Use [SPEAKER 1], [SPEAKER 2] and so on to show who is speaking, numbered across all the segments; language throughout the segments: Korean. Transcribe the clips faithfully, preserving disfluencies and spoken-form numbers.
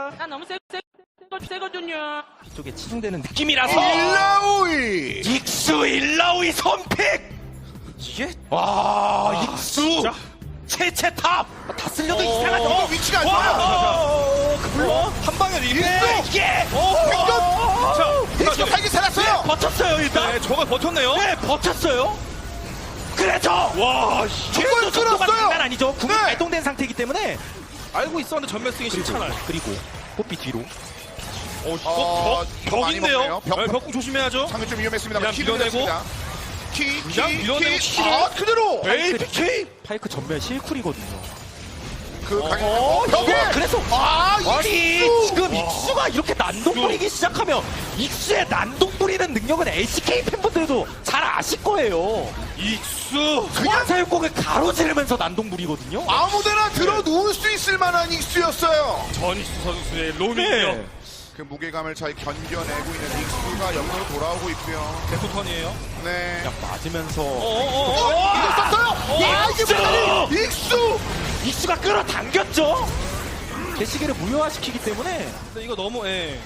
[SPEAKER 1] 나 너무 세, 세, 세거든요.
[SPEAKER 2] 뒤쪽에 치중되는 느낌이라서
[SPEAKER 3] 일라오이!
[SPEAKER 2] 익수 일라오이 선픽! 이게? 와 익수!
[SPEAKER 4] 자.
[SPEAKER 2] 최채 탑! 다 쓸려도
[SPEAKER 3] 어,
[SPEAKER 2] 이상하죠?
[SPEAKER 3] 위치가 안
[SPEAKER 2] 와,
[SPEAKER 3] 좋아요.
[SPEAKER 2] 어, 그 물론
[SPEAKER 4] 한 방에 이게.
[SPEAKER 2] 네, 이게!
[SPEAKER 3] 자, 익수
[SPEAKER 4] 자,
[SPEAKER 3] 살기 살았어요!
[SPEAKER 2] 버텼어요 일단!
[SPEAKER 4] 네, 저가 버텼네요.
[SPEAKER 2] 네 버텼어요! 그래서!
[SPEAKER 4] 와,
[SPEAKER 3] 이걸
[SPEAKER 2] 익수 정도가
[SPEAKER 3] 끌었어요!
[SPEAKER 2] 장난 아니죠? 궁이
[SPEAKER 3] 네.
[SPEAKER 2] 발동된 상태이기 때문에
[SPEAKER 4] 알고 있었는데 전멸 쓰기 싫잖아요.
[SPEAKER 2] 그리고 뽀삐 뒤로
[SPEAKER 4] 어, 이거
[SPEAKER 3] 어,
[SPEAKER 4] 벽,
[SPEAKER 3] 이거 많이
[SPEAKER 4] 벽인데요.
[SPEAKER 3] 먹네요. 벽.
[SPEAKER 4] 벽, 벽 조심해야죠.
[SPEAKER 3] 상대 좀 위험했습니다.
[SPEAKER 4] 그냥 밀어내고.
[SPEAKER 3] 키,
[SPEAKER 4] 그냥
[SPEAKER 3] 키,
[SPEAKER 4] 밀어내고
[SPEAKER 3] 키.
[SPEAKER 4] 키를.
[SPEAKER 3] 아, 그대로!
[SPEAKER 4] 에이피케이.
[SPEAKER 2] 파이크 전멸 실쿨이거든요.
[SPEAKER 3] 그 강행.
[SPEAKER 2] 어,
[SPEAKER 3] 벽에!
[SPEAKER 2] 그래서
[SPEAKER 3] 아,
[SPEAKER 2] 아니
[SPEAKER 3] 익수!
[SPEAKER 2] 지금 익수가 이렇게 난동 부리기 시작하면 익수의 난동 부리는 능력은 엘씨케이 팬분들도 잘 아실 거예요.
[SPEAKER 4] 익수.
[SPEAKER 2] 그냥 사육곡을 가로지르면서 난동 부리거든요.
[SPEAKER 3] 아무데나 들어 누울 수 있을 만한 익수였어요.
[SPEAKER 4] 전익수 선수의 로밍이요.
[SPEAKER 2] 네.
[SPEAKER 3] 그 무게감을 잘 견뎌내고 있는 익수가 옆으로 돌아오고 있고요.
[SPEAKER 4] 계속 턴이에요.
[SPEAKER 3] 네.
[SPEAKER 2] 그냥 맞으면서
[SPEAKER 4] 어어어.
[SPEAKER 3] 어, 이거 썼어요! 야, 이게
[SPEAKER 2] 익수!
[SPEAKER 3] 뭐야! 익수!
[SPEAKER 2] 익수가 끌어당겼죠. 개시계를 무효화시키기 때문에
[SPEAKER 4] 근데 이거 너무 예.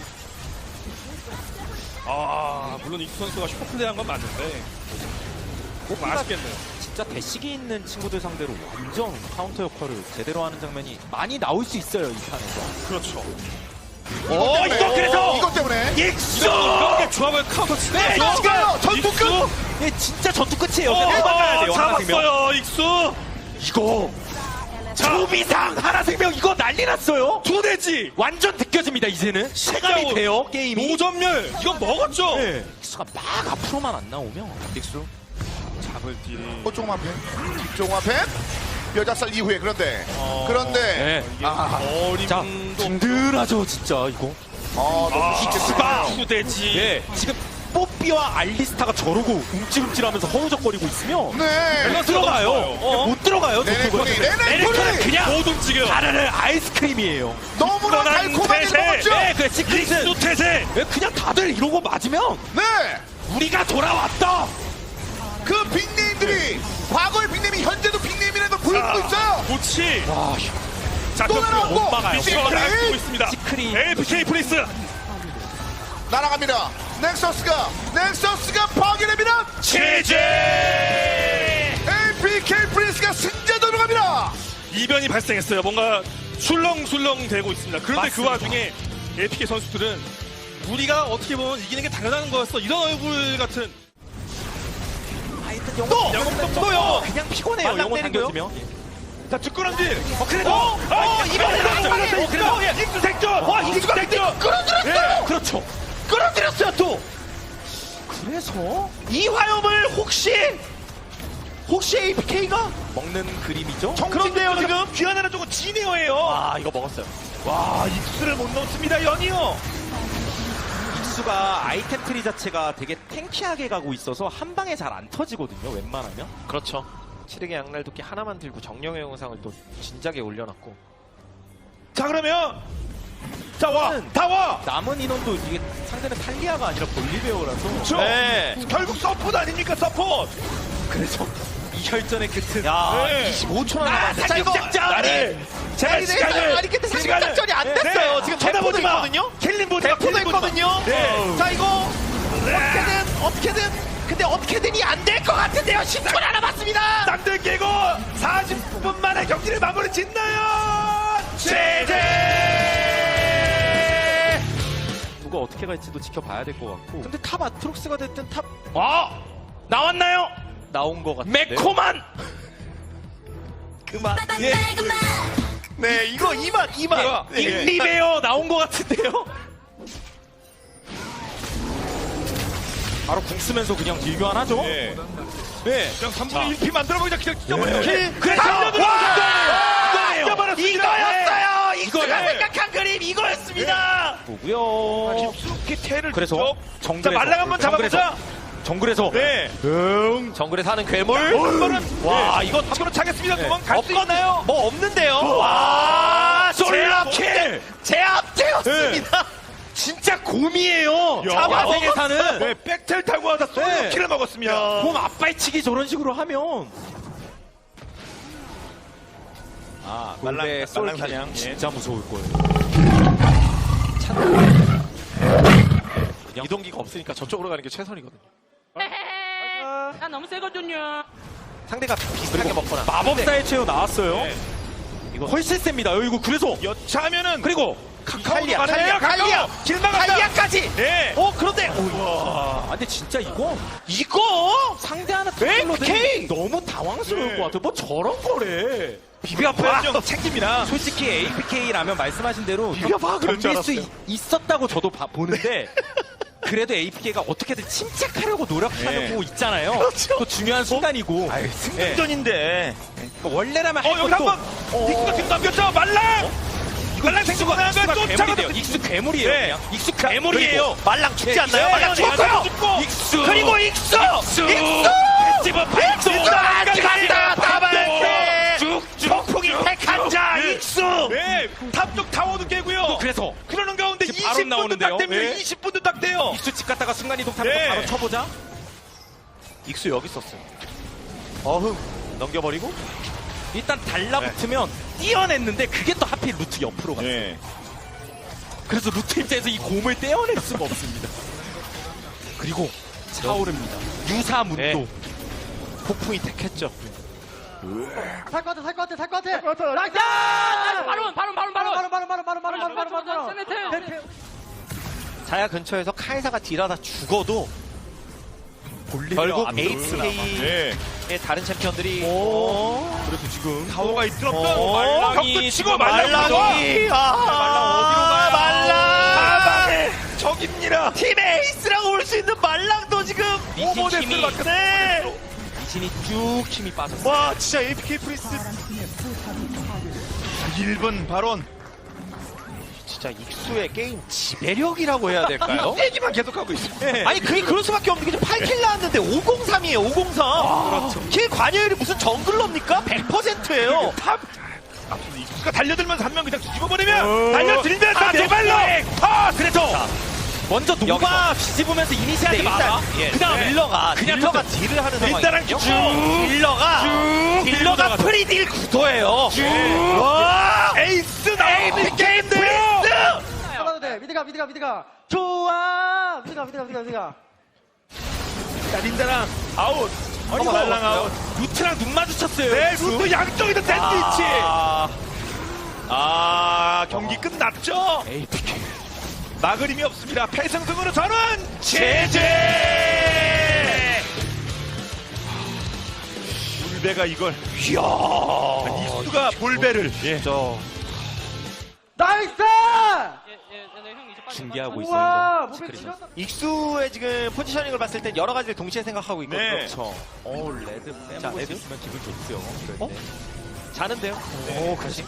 [SPEAKER 4] 아, 물론 익수 선수가 슈퍼플레이한 건 맞는데. 꼭 아쉽겠네요.
[SPEAKER 2] 진짜 대식이 있는 친구들 상대로 완전 카운터 역할을 제대로 하는 장면이 많이 나올 수 있어요 이 판에서.
[SPEAKER 4] 그렇죠.
[SPEAKER 2] 어 이거 그래서
[SPEAKER 3] 이것 때문에
[SPEAKER 2] 익수!
[SPEAKER 4] 이런 게 조합을 카운터 치는
[SPEAKER 2] 네,
[SPEAKER 4] 거죠.
[SPEAKER 3] 지금 전투 끝!
[SPEAKER 4] 익수.
[SPEAKER 2] 예, 진짜 전투 끝이에요.
[SPEAKER 4] 어,
[SPEAKER 2] 그냥 도망가야 돼요. 하나생명.
[SPEAKER 4] 잡았어요, 익수.
[SPEAKER 2] 이거 조비상 하나생명 이거 난리 났어요.
[SPEAKER 4] 두 대지.
[SPEAKER 2] 완전 느껴집니다 이제는. 체감이 돼요 게임이.
[SPEAKER 4] 노전멸. 이건 먹었죠.
[SPEAKER 2] 네. 익수가 막 앞으로만 안 나오면 익수.
[SPEAKER 4] 잡을 딜이.
[SPEAKER 3] 호종만 팬, 뒷종만 팬, 여자살 이후에 그런데
[SPEAKER 4] 어,
[SPEAKER 2] 네.
[SPEAKER 4] 이게
[SPEAKER 3] 아.
[SPEAKER 2] 자
[SPEAKER 4] 어림도
[SPEAKER 2] 든든하죠 진짜 이거.
[SPEAKER 3] 아, 너무
[SPEAKER 4] 아,
[SPEAKER 3] 쉽겠습니다.
[SPEAKER 4] 두 대지.
[SPEAKER 2] 예 지금 뽀삐와 알리스타가 저러고 움찔움찔하면서 허우적거리고 있으면
[SPEAKER 3] 네.
[SPEAKER 2] 못 들어가요.
[SPEAKER 4] 어?
[SPEAKER 2] 못 들어가요.
[SPEAKER 3] 네네,
[SPEAKER 2] 저쪽은.
[SPEAKER 3] 토니, 네네,
[SPEAKER 2] 네네토는
[SPEAKER 3] 토니!
[SPEAKER 2] 그냥
[SPEAKER 4] 못 움직여.
[SPEAKER 2] 다르는 아이스크림이에요.
[SPEAKER 3] 너무나
[SPEAKER 4] 뻔한
[SPEAKER 3] 달콤하게
[SPEAKER 4] 태세.
[SPEAKER 3] 먹었죠?
[SPEAKER 2] 네, 그 시크릿은
[SPEAKER 4] 익수 태세.
[SPEAKER 2] 왜 그냥 다들 이러고 맞으면
[SPEAKER 3] 네.
[SPEAKER 2] 우리가 돌아왔다.
[SPEAKER 3] 그 빅네임들이 과거의 빅네임이 현재도 빅네임이라는 걸 보여주고 있어요.
[SPEAKER 4] 고치.
[SPEAKER 2] 와,
[SPEAKER 4] 자,
[SPEAKER 3] 또
[SPEAKER 4] 격투로
[SPEAKER 3] 날아오고.
[SPEAKER 4] 못 막아요.
[SPEAKER 3] 시크릿.
[SPEAKER 4] 시크릿 날고 있습니다.
[SPEAKER 2] 시크릿.
[SPEAKER 4] 에이피케이 프리스.
[SPEAKER 3] 날아갑니다. 넥서스가 넥서스가 파괴됩니다.
[SPEAKER 4] 제제.
[SPEAKER 3] 에이피케이 프린스가 승자전으로 갑니다.
[SPEAKER 4] 이변이 발생했어요. 뭔가 술렁술렁 되고 있습니다. 그런데
[SPEAKER 2] 맞습니다.
[SPEAKER 4] 그 와중에 에이피케이 선수들은 우리가 어떻게 보면 이기는 게 당연한 거였어. 이런 얼굴 같은.
[SPEAKER 2] 하여튼
[SPEAKER 4] 또!
[SPEAKER 2] 영웅
[SPEAKER 4] 영웅
[SPEAKER 2] 또요.
[SPEAKER 4] 또요.
[SPEAKER 2] 그냥 피곤해요.
[SPEAKER 4] 만남
[SPEAKER 2] 영웅
[SPEAKER 4] 때리고요.
[SPEAKER 2] 당겨지면.
[SPEAKER 4] 자, 뒷구름질.
[SPEAKER 2] 어, 그래도
[SPEAKER 4] 어, 어,
[SPEAKER 2] 이변이
[SPEAKER 4] 이변이
[SPEAKER 2] 어, 그래도
[SPEAKER 4] 익수 생존. 와, 익수 생존.
[SPEAKER 3] 끌어들였어요.
[SPEAKER 2] 그렇죠. 끌어들였어요 또. 그래서 이 화염을 혹시 혹시 에이피케이가 먹는 그림이죠?
[SPEAKER 4] 그런데요, 지금 귀환하는 쪽은 지니어예요.
[SPEAKER 2] 아 이거 먹었어요.
[SPEAKER 4] 와, 익수를 못 넣습니다, 연이어.
[SPEAKER 2] 익수가 아이템 트리 자체가 되게 탱키하게 가고 있어서 한 방에 잘 안 터지거든요. 웬만하면.
[SPEAKER 5] 그렇죠. 칠흑의 양날 도끼 하나만 들고 정령의 영상을 또 진작에 올려놨고.
[SPEAKER 4] 자, 그러면 자, 와, 다 와.
[SPEAKER 2] 남은 인원도 이게 상대는 탈리아가 아니라 볼리베어라서.
[SPEAKER 4] 그렇죠.
[SPEAKER 5] 네.
[SPEAKER 4] 결국 서포트 아닙니까, 서포트.
[SPEAKER 2] 그래서 이 혈전의 끝은.
[SPEAKER 5] 야,
[SPEAKER 4] 네.
[SPEAKER 5] 이십오 초나
[SPEAKER 2] 아,
[SPEAKER 5] 남았는데. 자, 이거
[SPEAKER 2] 사격작전!
[SPEAKER 4] 나를 제가
[SPEAKER 5] 아니,
[SPEAKER 4] 시간을
[SPEAKER 5] 아니, 근데 사실
[SPEAKER 4] 시간을-
[SPEAKER 5] 작전이 안
[SPEAKER 4] 네.
[SPEAKER 5] 됐어요.
[SPEAKER 4] 네.
[SPEAKER 5] 지금
[SPEAKER 4] 쳐다보지
[SPEAKER 5] 대포도
[SPEAKER 4] 마.
[SPEAKER 5] 있거든요.
[SPEAKER 4] 킬린 보지 마.
[SPEAKER 5] 대포도
[SPEAKER 4] 킬린 보지 마.
[SPEAKER 5] 있거든요.
[SPEAKER 4] 네.
[SPEAKER 5] 자, 이거 어떻게든 어떻게든 근데 어떻게든이 안 될 것 같은데요. 십 초 남았습니다.
[SPEAKER 4] 땅들 깨고 사십 분 만에 경기를 마무리 짓나요? 제제.
[SPEAKER 2] 누가 어떻게 갈지도 지켜봐야 될 것 같고.
[SPEAKER 5] 근데 탑 아트록스가 됐든 탑
[SPEAKER 4] 아, 나왔나요?
[SPEAKER 2] 나온 것 같아요.
[SPEAKER 4] 매콤한.
[SPEAKER 5] 그만.
[SPEAKER 4] 예.
[SPEAKER 5] 네, 이거 이만 이만. 네.
[SPEAKER 4] 인리베어 나온 것 같은데요?
[SPEAKER 2] 바로 궁 쓰면서 그냥 딜교환하죠.
[SPEAKER 4] 네.
[SPEAKER 2] 네.
[SPEAKER 4] 그냥 삼분의 일 피 만들어 보자. 그냥 찢어버려.
[SPEAKER 2] 네.
[SPEAKER 4] 그래서
[SPEAKER 2] 와!
[SPEAKER 4] 찢어버렸습니다.
[SPEAKER 5] 이거였어요.
[SPEAKER 4] 네.
[SPEAKER 5] 이거가
[SPEAKER 4] 이거예요.
[SPEAKER 5] 생각한 그림 이거였습니다.
[SPEAKER 2] 보고요.
[SPEAKER 4] 깊숙이 태를
[SPEAKER 2] 그래서
[SPEAKER 4] 쪽.
[SPEAKER 2] 정글에서
[SPEAKER 4] 자, 말랑 한번
[SPEAKER 2] 정글에서
[SPEAKER 4] 잡아보자.
[SPEAKER 2] 정글에서
[SPEAKER 4] 네.
[SPEAKER 5] 정글에 사는 괴물.
[SPEAKER 4] 한 번은
[SPEAKER 5] 와,
[SPEAKER 4] 네.
[SPEAKER 5] 이거
[SPEAKER 4] 앞으로 차겠습니다.
[SPEAKER 2] 네.
[SPEAKER 4] 도망갈 수 있나요?
[SPEAKER 5] 뭐 없는데요.
[SPEAKER 4] 와,
[SPEAKER 5] 제압킬. 제압되었습니다.
[SPEAKER 2] 진짜 곰이에요.
[SPEAKER 4] 야.
[SPEAKER 2] 야생에사는
[SPEAKER 4] 네, 백텔 타고 와서
[SPEAKER 2] 네.
[SPEAKER 4] 솔로킬을 먹었습니다.
[SPEAKER 2] 곰 앞발치기 저런 식으로 하면
[SPEAKER 5] 아,
[SPEAKER 2] 골배
[SPEAKER 5] 말랑
[SPEAKER 2] 솔
[SPEAKER 5] 말랑 사냥. 예.
[SPEAKER 2] 진짜 무서울 거예요.
[SPEAKER 5] 이동기가 없으니까 저쪽으로 가는 게 최선이거든요.
[SPEAKER 1] 나 너무 세거든요.
[SPEAKER 5] 상대가 비슷하게 먹거나.
[SPEAKER 2] 마법사의 최후 나왔어요.
[SPEAKER 5] 네.
[SPEAKER 2] 이거 훨씬 셉니다. 이거 그래서
[SPEAKER 4] 여차하면은
[SPEAKER 2] 그리고
[SPEAKER 5] 칼리아,
[SPEAKER 4] 가네요.
[SPEAKER 5] 칼리아, 칼리아,
[SPEAKER 4] 길 막았다.
[SPEAKER 5] 칼리아까지.
[SPEAKER 4] 네.
[SPEAKER 5] 어 그런데
[SPEAKER 2] 아, 근데 진짜 이거
[SPEAKER 5] 이거
[SPEAKER 2] 상대하는
[SPEAKER 5] 에이피케이!
[SPEAKER 2] 너무 당황스러울
[SPEAKER 4] 네.
[SPEAKER 2] 것 같아. 뭐 저런 거래.
[SPEAKER 4] 비벼봐 좀 챙깁니다.
[SPEAKER 2] 솔직히 에이피케이라면 말씀하신 대로
[SPEAKER 5] 비벼봐, 그럴 줄
[SPEAKER 2] 덤빌 수
[SPEAKER 5] 알았어요.
[SPEAKER 2] 있- 있었다고 저도 봐- 보는데 그래도 에이피케이가 어떻게든 침착하려고 노력하는
[SPEAKER 4] 네.
[SPEAKER 2] 거 있잖아요.
[SPEAKER 5] 그렇죠.
[SPEAKER 2] 그 중요한 순간이고.
[SPEAKER 4] 승전인데.
[SPEAKER 2] 그러니까 원래라면
[SPEAKER 4] 어
[SPEAKER 2] 할
[SPEAKER 4] 여기
[SPEAKER 2] 것도-
[SPEAKER 4] 한번 닉스가 지금 넘겼죠. 말랑. 말랑 생수가 나면
[SPEAKER 2] 익수가
[SPEAKER 4] 쫓아가도
[SPEAKER 2] 괴물이에요. 익수 괴물이에요.
[SPEAKER 4] 네.
[SPEAKER 2] 그냥. 익수 괴물이에요.
[SPEAKER 5] 말랑 죽지
[SPEAKER 2] 네,
[SPEAKER 5] 않나요?
[SPEAKER 2] 네,
[SPEAKER 5] 말랑
[SPEAKER 2] 네,
[SPEAKER 5] 죽었고요.
[SPEAKER 2] 죽고.
[SPEAKER 4] 익수.
[SPEAKER 5] 그리고 익수,
[SPEAKER 2] 익수.
[SPEAKER 4] 집어 팔도.
[SPEAKER 5] 익수 간다 더블
[SPEAKER 4] 쭉쭉.
[SPEAKER 5] 폭풍이 택한 자
[SPEAKER 4] 네.
[SPEAKER 5] 익수.
[SPEAKER 4] 네. 탑쪽 타워도 깨고요.
[SPEAKER 2] 그래서
[SPEAKER 4] 그러는 가운데
[SPEAKER 2] 지금 바로
[SPEAKER 4] 이십 분도
[SPEAKER 2] 나오는데요.
[SPEAKER 4] 딱 됩니다.
[SPEAKER 2] 네.
[SPEAKER 4] 이십 분도 딱 돼요.
[SPEAKER 2] 익수 집 갔다가 순간이동 타면서
[SPEAKER 4] 네.
[SPEAKER 2] 바로 쳐보자.
[SPEAKER 5] 익수 여기 있었어요. 어흥 넘겨버리고.
[SPEAKER 2] 일단 달라붙으면 띄어냈는데 그게 또 하필 루트 옆으로 갔어요.
[SPEAKER 4] 네.
[SPEAKER 2] 그래서 루트 입장에서 이 곰을 떼어낼 수가 없습니다. 그리고 차오릅니다. 유사문도.
[SPEAKER 5] 네. 폭풍이 택했죠.
[SPEAKER 6] 살 것 같아, 살 것 같아, 살 것 같아. 나이스!
[SPEAKER 1] 야, 바로 바로 바로 바로
[SPEAKER 6] 바로, 바로, 바로, 바로, 바로, 바로, 바로, 바로, 바로.
[SPEAKER 1] 세네트.
[SPEAKER 5] 자야 근처에서 카이사가 딜하다 죽어도
[SPEAKER 2] 볼리비아
[SPEAKER 5] 결국
[SPEAKER 2] 안 들어오나 봐.
[SPEAKER 5] 에이치케이의
[SPEAKER 4] 네.
[SPEAKER 5] 다른 챔피언들이
[SPEAKER 2] 그래도 지금
[SPEAKER 4] 타워가 있더라도
[SPEAKER 5] 어,
[SPEAKER 2] 말랑이
[SPEAKER 4] 벽도 치고
[SPEAKER 2] 지금
[SPEAKER 4] 말랑이
[SPEAKER 5] 말랑이 아,
[SPEAKER 2] 말랑 어디로 가요?
[SPEAKER 5] 말랑
[SPEAKER 4] 사방에 적입니다.
[SPEAKER 5] 팀 에이스라고 볼 수 있는 말랑도 지금
[SPEAKER 2] 미신
[SPEAKER 5] 오버데스를
[SPEAKER 2] 힘이-
[SPEAKER 5] 맞네.
[SPEAKER 2] 미신이 쭉 힘이 빠졌어.
[SPEAKER 5] 와 진짜 에이피케이 프리스
[SPEAKER 4] 일 분 발언.
[SPEAKER 5] 진짜 익수의 게임 지배력이라고 해야 될까요?
[SPEAKER 4] 얘기만 계속하고 있어요.
[SPEAKER 5] 아니 그게 그럴 수밖에 없는 게 팔 킬 나왔는데 오공삼이에요 오공삼. 그렇죠. 킬 관여율이 무슨 정글러입니까? 백 퍼센트예요.
[SPEAKER 4] 탑. 앞으로 익수가 달려들면서 한 명 그냥 뒤집어버리면 달려들면 다 내 발로. 아 그래서
[SPEAKER 2] 먼저 노바 뒤집으면서 이니시하지
[SPEAKER 5] 근데
[SPEAKER 2] 마라.
[SPEAKER 5] 일단 예,
[SPEAKER 2] 그다음
[SPEAKER 5] 네. 딜러가
[SPEAKER 2] 그냥
[SPEAKER 5] 딜러가
[SPEAKER 2] 던져.
[SPEAKER 5] 딜을 하는
[SPEAKER 4] 일단은
[SPEAKER 5] 상황이거든요.
[SPEAKER 4] 쭉.
[SPEAKER 5] 딜러가
[SPEAKER 4] 쭉.
[SPEAKER 5] 딜러가
[SPEAKER 2] 딜러가
[SPEAKER 5] 프리딜 구도예요.
[SPEAKER 4] 와 에이스 나오는 게임
[SPEAKER 5] 프리스.
[SPEAKER 6] 가도 돼. 미드가, 미드가, 미드가. 좋아! 미드가, 미드가, 미드가, 미드가.
[SPEAKER 4] 자 린다랑 아웃.
[SPEAKER 2] 아니,
[SPEAKER 4] 어머, 말랑
[SPEAKER 2] 뭐,
[SPEAKER 4] 아웃.
[SPEAKER 2] 루트랑 눈 마주쳤어요.
[SPEAKER 4] 네 루트 양쪽에서 샌드위치.
[SPEAKER 5] 아,
[SPEAKER 4] 아 경기 끝났죠.
[SPEAKER 2] 에이피케이.
[SPEAKER 4] 막을 힘이 없습니다. 패승승으로 저는 제재. 볼배가 이걸 이야 익수가 볼배를 예. 저
[SPEAKER 6] 나이스!
[SPEAKER 2] 중계하고
[SPEAKER 6] 우와,
[SPEAKER 2] 있어요.
[SPEAKER 6] 몸에 찔렸다.
[SPEAKER 5] 익수의 지금 포지셔닝을 봤을 땐 여러 가지를 동시에 생각하고 있거든요.
[SPEAKER 4] 네.
[SPEAKER 2] 그렇죠. 오 레드
[SPEAKER 5] 자,
[SPEAKER 2] 빼먹을 수
[SPEAKER 5] 레드?
[SPEAKER 2] 있으면 기분 좋죠. 그럴
[SPEAKER 5] 어?
[SPEAKER 2] 때.
[SPEAKER 5] 자는데요?
[SPEAKER 2] 오 그렇지.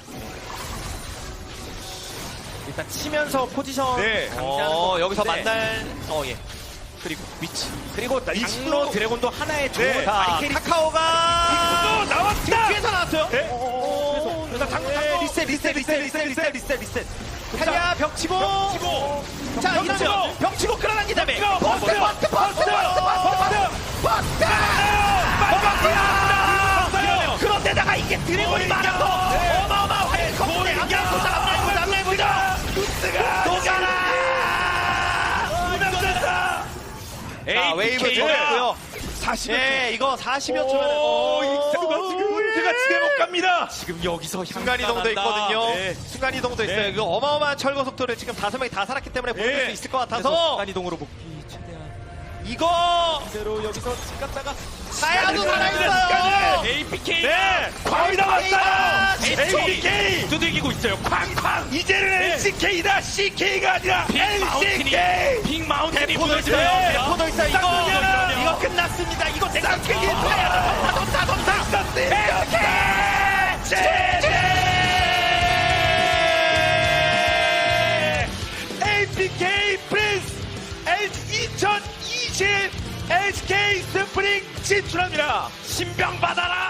[SPEAKER 2] 일단 치면서 포지션
[SPEAKER 4] 네.
[SPEAKER 2] 강제하는
[SPEAKER 5] 어,
[SPEAKER 2] 것
[SPEAKER 5] 여기서
[SPEAKER 2] 같은데
[SPEAKER 5] 만날 어 예. 그리고 위치.
[SPEAKER 2] 그리고
[SPEAKER 4] 익수.
[SPEAKER 2] 장로 드래곤도 하나의 좋은
[SPEAKER 4] 네.
[SPEAKER 5] 자,
[SPEAKER 2] 바리케리
[SPEAKER 5] 카카오가
[SPEAKER 4] 또 나왔다.
[SPEAKER 5] 뒤에서 나왔어요.
[SPEAKER 4] 네.
[SPEAKER 5] 오,
[SPEAKER 4] 그래서 장로,
[SPEAKER 5] 네,
[SPEAKER 4] 장로.
[SPEAKER 5] 리셋 리셋 리셋 리셋 리셋 리셋 리셋.
[SPEAKER 4] 자,
[SPEAKER 5] 탈리아 벽 치고.
[SPEAKER 4] 치고
[SPEAKER 5] 자,
[SPEAKER 4] 벽
[SPEAKER 5] 이러면
[SPEAKER 4] 치고.
[SPEAKER 5] 벽 치고 끌어당긴 다음에
[SPEAKER 4] 벽 치고.
[SPEAKER 5] 버스 버스 버스 버스 버스
[SPEAKER 4] 빨갛게
[SPEAKER 5] 그런데다가 이게 드래곤이 많아서 어마어마한 헬커플의 앞날고 앞날고 앞날고
[SPEAKER 4] 루스가
[SPEAKER 5] 도가라.
[SPEAKER 4] 무너졌다.
[SPEAKER 5] 자, 웨이브
[SPEAKER 2] 에이피케이.
[SPEAKER 5] 좋았고요.
[SPEAKER 4] 사십 초.
[SPEAKER 5] 예, 이거 사십여 초면
[SPEAKER 4] 오, 익수가 지금 문제가 집에 못 갑니다.
[SPEAKER 2] 지금 여기서
[SPEAKER 5] 순간이동도
[SPEAKER 2] 향상한다.
[SPEAKER 5] 있거든요.
[SPEAKER 2] 네.
[SPEAKER 5] 순간이동도 있어요.
[SPEAKER 4] 네.
[SPEAKER 5] 이거 어마어마한 철거 속도를 지금 다섯 명이 다 살았기 때문에 보여줄
[SPEAKER 4] 네.
[SPEAKER 5] 수 있을 것
[SPEAKER 2] 그래서
[SPEAKER 5] 같아서
[SPEAKER 2] 순간이동으로 복귀 최대한
[SPEAKER 5] 이거
[SPEAKER 2] 그대로 여기서 집 갔다가
[SPEAKER 5] 사야도 살아있어요.
[SPEAKER 2] 에이피케이
[SPEAKER 4] 네, 광이 나왔어요.
[SPEAKER 5] 에이치케이.
[SPEAKER 4] 에이치케이.
[SPEAKER 2] 두들기고 있어요. 쾅쾅.
[SPEAKER 4] 이제는 엘씨케이다. 씨케이가 아니라 엘씨케이.
[SPEAKER 2] 빅 마운틴이
[SPEAKER 5] 포도
[SPEAKER 2] 무너지면
[SPEAKER 5] 있어요. 네, 포도 있어요. 이거
[SPEAKER 4] 쌍둥이야.
[SPEAKER 5] 이거 끝났습니다. 이거 내가
[SPEAKER 4] 쌍둥이.
[SPEAKER 5] 크게 사야 덤사 덤사 덤사.
[SPEAKER 4] 에이피케이 프린스 이천이십 엘씨케이 스프링 진출합니다. 신병 받아라.